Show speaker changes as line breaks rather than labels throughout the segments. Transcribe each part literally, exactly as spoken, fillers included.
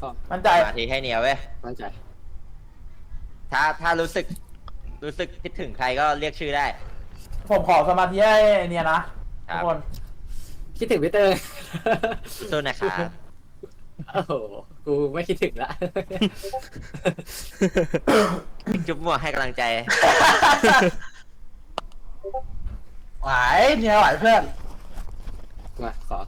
ข้อ
มั่นใจ
มาทีให้เนียวเว้ย
มั่นใจ
ถ้าถ้ารู้สึกรู้สึกคิดถึงใครก็เรียกชื่อได้
ผมขอสมาธิให้เนี่ยนะทุกคน
คิดถึงพี่เตอร์
สู้นะครับ
โอ้โหกูไม่คิดถึงละ
จุ๊บมั่วให้กำลังใจ
ไหวเนี่ยไหวเพื่อน
มาขอ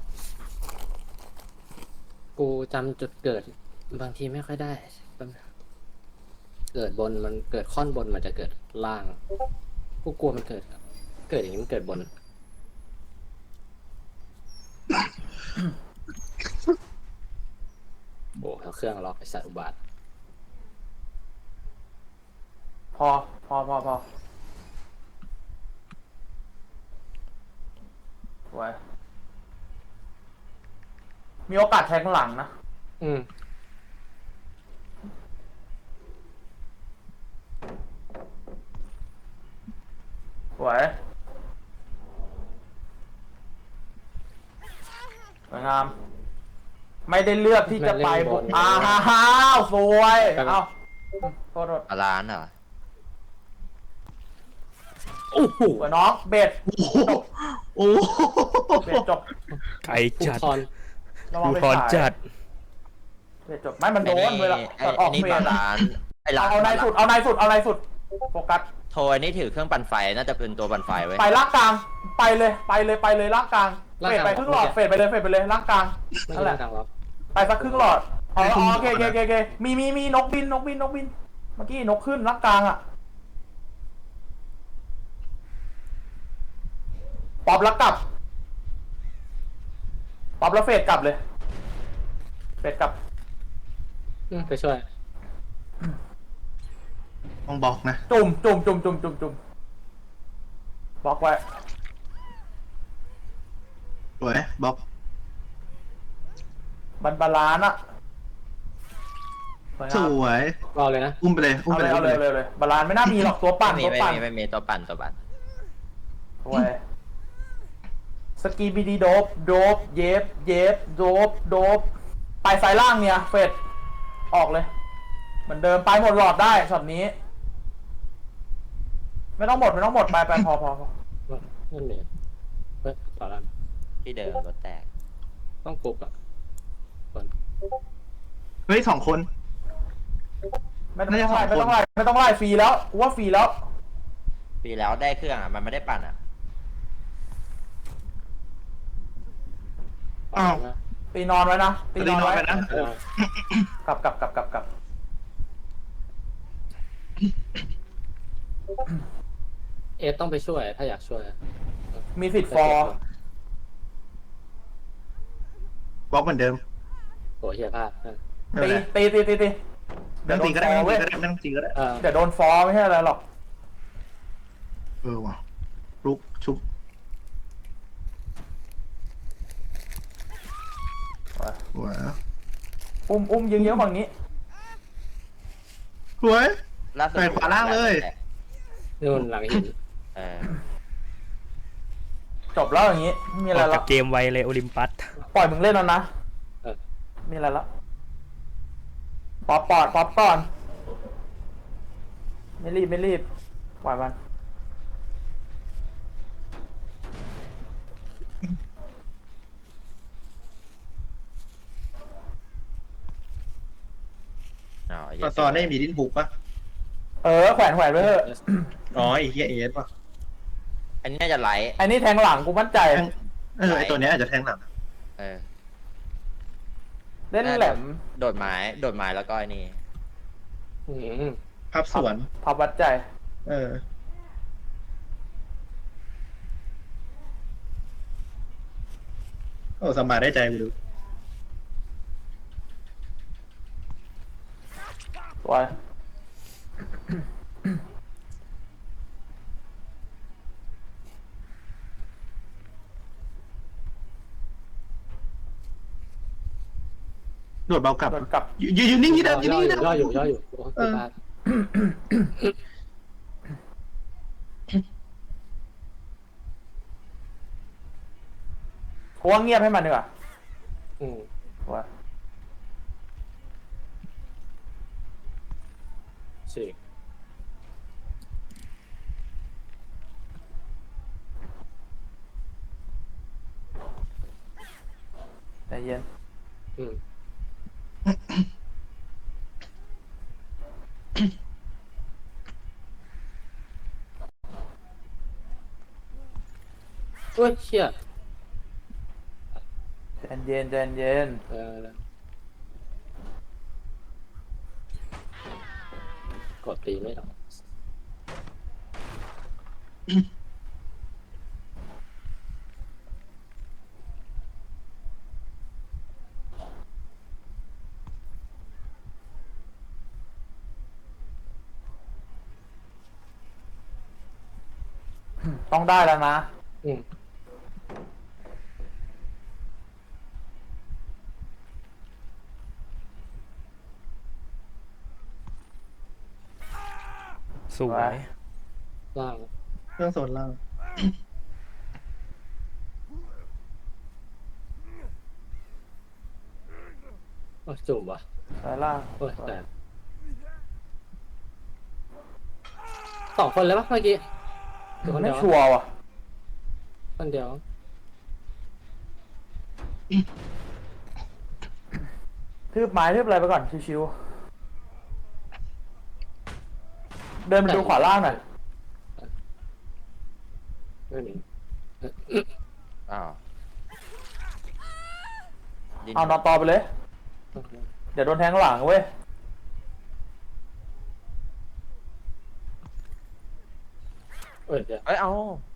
กูจำจุดเกิดบางทีไม่ค่อยได้เกิดบนมันเกิดค่อนบนมันจะเกิดล่างกูกลัวมันเกิดเกิดอย่างนี้มันเกิดบนโอ้เอาเครื่องล็อกไอ้สัตว์อุบาท
พอพอพอพอไว้มีโอกาสแทงหลังนะ
อืม
ไว้สวยงามไม่ได้เลือกที่จะไปบุกอ้าวสวยเอ้าโทษโทษ
ร้านเหรอ
โอ้โห
น้องเบ็ด
โอ้
เบ็ดจบ
ไก่จัด
ดู
พรจัด
เบ็ดจบไม่มันโดนเวลาออกเบ็ด
ร้านไอ้ร้าน
เอาในสุดเอาในสุดเอาในสุดโฟกัส
โทยนี่ถือเครื่องปั่นไฟน่าจะเป็นตัวปั่นไฟไว้
ไปล่างกลางไปเลยไปเลยไปเลยล่างกลางเฟดไปครึ่งหลอดเฟดไปเลยเฟดไปเลยล่างกลางนั่นแหละไปสักครึ่งหลอดอ๋อโอเคโอเคโอเคมีมีมีนกบินนกบินนกบินเมื่อกี้นกขึ้นล่างกลางอ่ะป๊อปแล้วกลับป๊อปแล้วเฟดกลับเลยเฟดกลับ
ไปช่วย
ต้องบอกนะ
จุ่มจุ่มจุ่มจุ่มจุ่มจุ่มบล็อกไว้
สวยบล็อก
บันบาลานอะ
สวย
รอเลยนะ
อุ้มไปเลยอุ้ม
เอา
ไป
เลย
เลย
เอาเลยเลยบาลานไม่น่ามีหรอกตัวปั่นตัวปั่น
ไม่มีตัวปั่นตัวปั่น
โอ้ยสกีบีดีโดบโดบเย็บเย็บโดบโดบไปสายล่างเนี่ยเฟดออกเลยเหมือนเดิมไปหมดหลอดได้ช็อตนี้ไม่ต้องหมดไม่ต้องหมดไปไปพอพอพอ
นั่นเองเฮ้ยต่อแล้ว
ที่เดิมรถแตก
ต้องปลุกอ่ะคน
เฮ้ยสองคน
ไม่ต้องไล่ไม่ต้องไล่ไม่ต้องไล่ฟรีแล้วว่าฟรีแล้ว
ฟรีแล้วได้เครื่องอ่ะมันไม่ได้ปั่นอ่ะ
อ้าว
ตีนอนไว้นะ
ตีนอนไว้นะ
กลับกลับกลับกลับกลับ
เอฟต้องไปช่วยถ้าอยากช่วย
มีสิทธิ์ฟอร์
บล็อกเหมือนเดิม
โอ้เฮียพลาด
ตีตีตีตีตี
เดี๋ยวตีก็ได้ไม่ต้องตีก็ได้
เดี๋ยวโดนฟอร์ไม่ใช่อะไรหรอก
เออว่ะลุกชุบว้า
อุ้มอุ้มยิงเยอะฝั่งนี้
สวยไปขวาล่างเลย
นู่นหลังหิน
จบแล้วอย่างนี้มีอะไรแล้ว
เกมไวเลยโอลิมปัส
ปล่อยมึงเล่นแล้วนะมีอะไรแล้วป๊อปปอดป๊อปก่อนไม่รีบไม่รีบปล่อยมัน
ตอนตอนได้มีดิ้นบุกปะ
เออแขวนแขวนไว้เถอะ
อ๋อไอ้เฮียเอสป่ะ
อันนี้น่าจะไหล
อันนี้แทงหลังกูมั่นใจ
เออไอตัวนี้อาจจะแทงหลัง
เออ
เล่นแหลม
โดดไม้โดดไม้แล้วก็ไอ้นี่
ภาพสวน
ภาพวัดใจ
เออโอ้สมาได้ใจกูดู
ว้าย
โดดเบากลับ
กลับ
ยืนยืนนิ่งที่เดิมยืนนิ่งที่เดิม
ย่ออยู่ย่ออยู่
เพราะว่าเงียบให้มันดีกว่า
อืม
ว่า
สี่
ใจเย็น
อืมโอ้ยเชี่ย
ใจเย็นใจเย็น
เออ กดตีไม่หรอก
ต้องได้แล้วนะ
อืม
สวย
ล่าง
เครื่องโซนล่าง
โอ้ยจุ่มว่ะ
สายล่าง
โอ้ยแต่สองคนเลยปะเมื่อกี้หรือคน
ไม่
เดียว
ชัวร์ว่ะ
คนเดียว
ทืบไม้ทืบอะไรไปก่อนชิวๆเดินไปดูขวาล่างหน่อย
ไม่มี
อ้าวยิง
เอานอนต่อไปเลย เดี๋ยวโดนแทงข้างหลังเว้ย
เอ้ยเดี๋ยว
เอ้ยเอา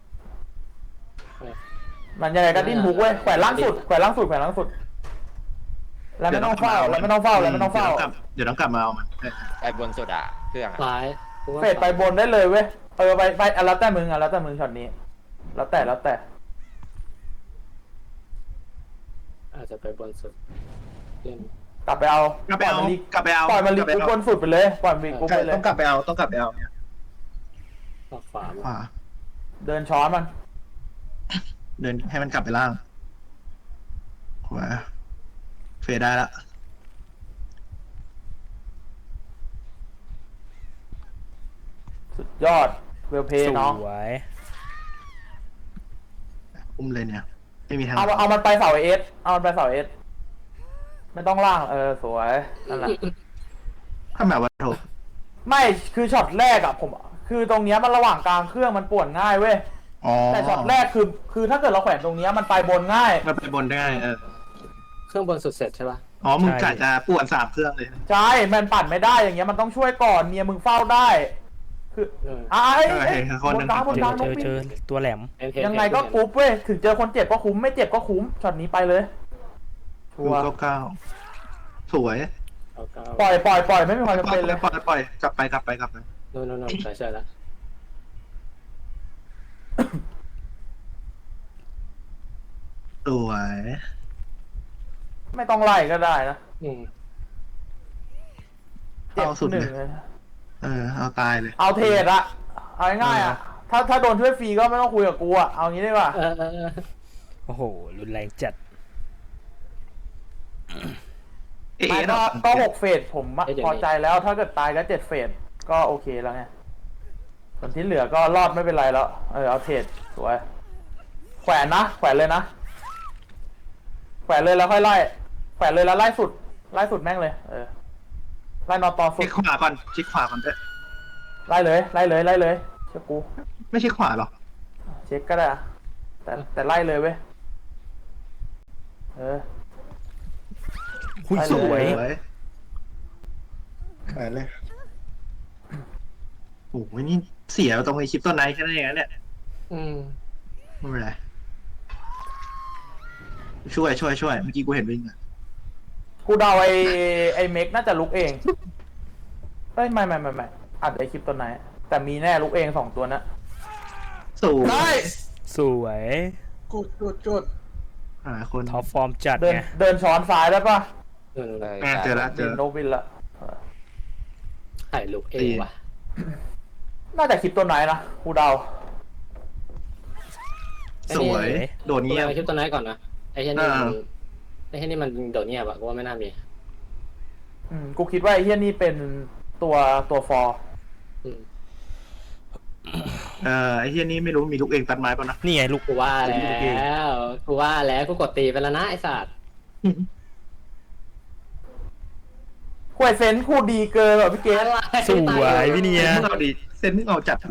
มันยังไงก็ดิ้นบุกเว้ยแขวนล่างสุดแขวนล่างสุดแขวนล่างสุด แล้วไม่ต้องเฝ้าแล้วไม่ต้องเฝ้าแล้วไม่ต้องเฝ้า
เดี๋ยวต้องกลับมาเอามัน
ไปบนสุดอ่ะเครื่องอ่ะ
ซ้ายกูว่า
เฟดไปบนได้เลยเว้ยเออไปไปอ่ะแล้วแต่มึงอ่ะแล้วแต่มึงช็อตนี้ แล้วแต่แล้วแต่
อาจจะไปบนสุดเล่น
กลับไปเอา
กลับไปเอา
ปล่ยมันลี
กลับไปเอา
ปล่อยมันลี
กลับไป
กุ๊
เอา
บบนสุดไปเลยปล่อยมันลีกุ๊บ
ใช่
ไปเลย
ต้องกลับไปเอาต้องกลับไปเอาเนี่ย
ออกขวา
ขวา
เดินช้อนมัน
เดินให้มันกลับไปล่างขวาเฟดได้ละ
สุดยอดเวลเพ
ส
ย์น้อง
วย
อุ้มเลยเนี่ยไม่มีทาง
เอาเอามันไปเสาเอสเอามันไปเสาเอสไม่ต้องล่างเออสวยนั่นแหละ
ถ้าแบบว่าโถ
ไม่คือช็อตแรกอะผมคือตรงเนี้ยมันระหว่างกลางเครื่องมันป่วนง่ายเว้ย
อ๋อ
แต่ช็อตแรกคือคือถ้าเกิดเราแขวนตรงเนี้ยมันไปบนง่าย
มันไปบนได้เออ
เครื่องบนสุดเสร็จใช่ปะ
อ๋อมึงกะจะป่วนสามเครื่องเลย
ใช่มันปั่นไม่ได้อย่างเงี้ยมันต้องช่วยก่อนเมียมึงเฝ้าได้ คือ
เออ
ไอ้
เออเห็นคนหนึ่ง
บนกลางบน
เจ
ก
อ
ลาง
เจ
น้อง
อ
ปิ
เจ
ง
อตัวแหลม
เห็นเห็น
ยังไงก็
เห็น
กรุ๊ปเว้ยถึงเจอคนเจ็บก็คุ้มไม่เจ็บก็คุ้มช็อตนี้ไปเลยชั
ดู
วร์
เก้าเก้าสวย
เอาเก้า
ปล่อยปล่อยปล่อยไม่มีความจำ
ปล่อย
เป็นเลย
ปล่อยปล่อยกลับไปกลับไปกลับไป
โน่นโน่นโน่นใช่ใช่แล้ว
สวย
ไม่ต้องไล่ก็ได้นะ
อืม
เจ็บ
เอาสุด
หนึ่ง
เลย
เลย
เออเอาตายเลย
เอาเทรดอะเอาง่ายๆอะถ้าถ้าโดนช่วยฟรีก็ไม่ต้องคุยกับกูอะเอางี้ดีกว่า
เออเออเออ
โอ้โห รุนแรงจัด
เอ๊ะ
ไม่
ด
ก็
อก
ก็หกเฟสผมอะพอใจแล้วถ้าเกิดตายก็เจ็ดเฟสก็โอเคแล้วไงส่วนที่เหลือก็รอดไม่เป็นไรแล้วเออเอาเทรดสวยแขวนนะแขวนเลยนะแขวนเลยแล้วค่อยไล่แขวนเลยแล้วไล่สุดไล่สุดแม่งเลยเออไล่นอตอสุ
เช็
ด
คขวาก่อนเช็คขวาก่อนด้วย
ไล่เลยไล่เลยไล่เลยเชื่อกู
ไม่ใช่ขวาหรอก
เช็คก็ได้อะแต่แต่ไล่เลยเว้ยเออ
หุ้ย
ไปเลย
สวย
สวยขายเลยโอ้โหนี่เสียตรงไอคลิปต้นไนท์แค่นั้นเองนะเนี่ย
อืม
ไม่เป็นไรช่วยช่วยช่วยเมื่อกี้กูเห็นวิ่งอะ
กูเดาไอไอเมกน่าจะลุกเองเฮ้ยไม่ไม่ไม่ไม่อัดไอคลิปตัวไหน แต่มีแน่ลุกเองสองตัวนะ
สูง
ได้
สวย
จุดจุดจุด
หาคน
ท็อปฟอร์มจัด
เดิน
ไง
เดินช้อนซ้ายได้ปะ
เออ
เลย
อ่ะเจอแล้วเจ
บิ
อน
โนบินละเออ
ถ่ายลุกเองว่ะ
น่าจะคลิปตัวไหนนะกูเดา
สวยโดน
กู
เงียบ
ไปคลิปตัวไหนก่อนนะไอ้เช่นนี่มัน
อ่า
ไอ้เช่นนี่มันโดดเงียบอะกูว่าไม่น่ามี
อืมกูคิดว่าไอเฮียนี่เป็นตัวตัวฟอร์
อืม
เอ่อไอ้เฮียนี่ไม่รู้มีลูกเองตัดไม้ป่ะนะ
นี่ไงลูก
กูว่าแล้วกูว่าแล้วกูกดตีไปแล้วนะไอ้สัตว์
ควยเซนพูดดีเกินแบบพี่เกศ
อะไร
สวยพี่เนีย
เส้นมึงเอาดิเส้นมึงเอาจัด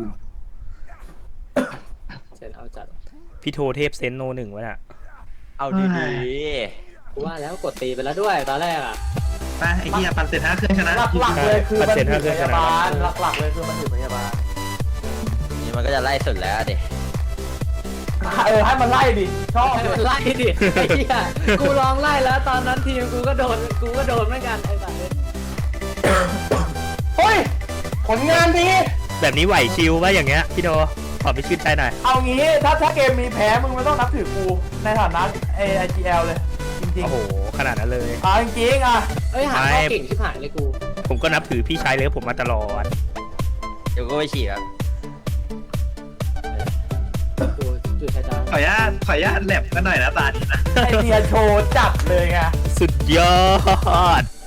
เซนเอาจัด
พี่โทเทพเซนโนหนึ่งวะน่ะ
เอาดี
กูว่าแล้วกดตีไปแล้วด้วยตอนแรกอ่ะ
ไปไอ้เฮียปันเสร็จห้าเครื่องชนะ
หลักๆเลยคือมัน
มันเซ็
ถื
น
อ
ห้าเครื่
พ
องช
ยา
นะ
บาลหลักๆเลยคือมันถือพยาบาล
ๆนี่มันก็จะไล่สุดแล้วเด็
เออให้มันไล่ดิชอบ
ให้
เล
มั
ย
นไล่ดิไอ้เหี้ยกูลองไล่แล้วตอนนั้นทีมกูก็โดนกูก็โดนเหมือนกันไอ้สัตว์
เฮ้ยผลงานดี
แบบนี้ไหวชิวป่ะอย่างเงี้ยพี่โทขอไปชื่นใจหน่อย
เอางี้ถ้าถ้าเกมมีแพ้มึงไม่ต้องนับถือกูในฐานะไอไอจีเอลเลย จริง
โอ้โหขนาดนั้นเลย
ๆอ่าจริงๆอ่ะ
เอ้ยหาข้อเก่งชิบหายเลยกู
ผมก็นับถือพี่ชายเลยผมมาตลอด
เดี๋ยวก็ไปฉี่แบบ
กูจุดชะตา
ขออนุญาตขออนุญาตแลบกันหน่อยนะตาดีนะ
ไอเดียโชว์จัดเลยไง
สุดยอด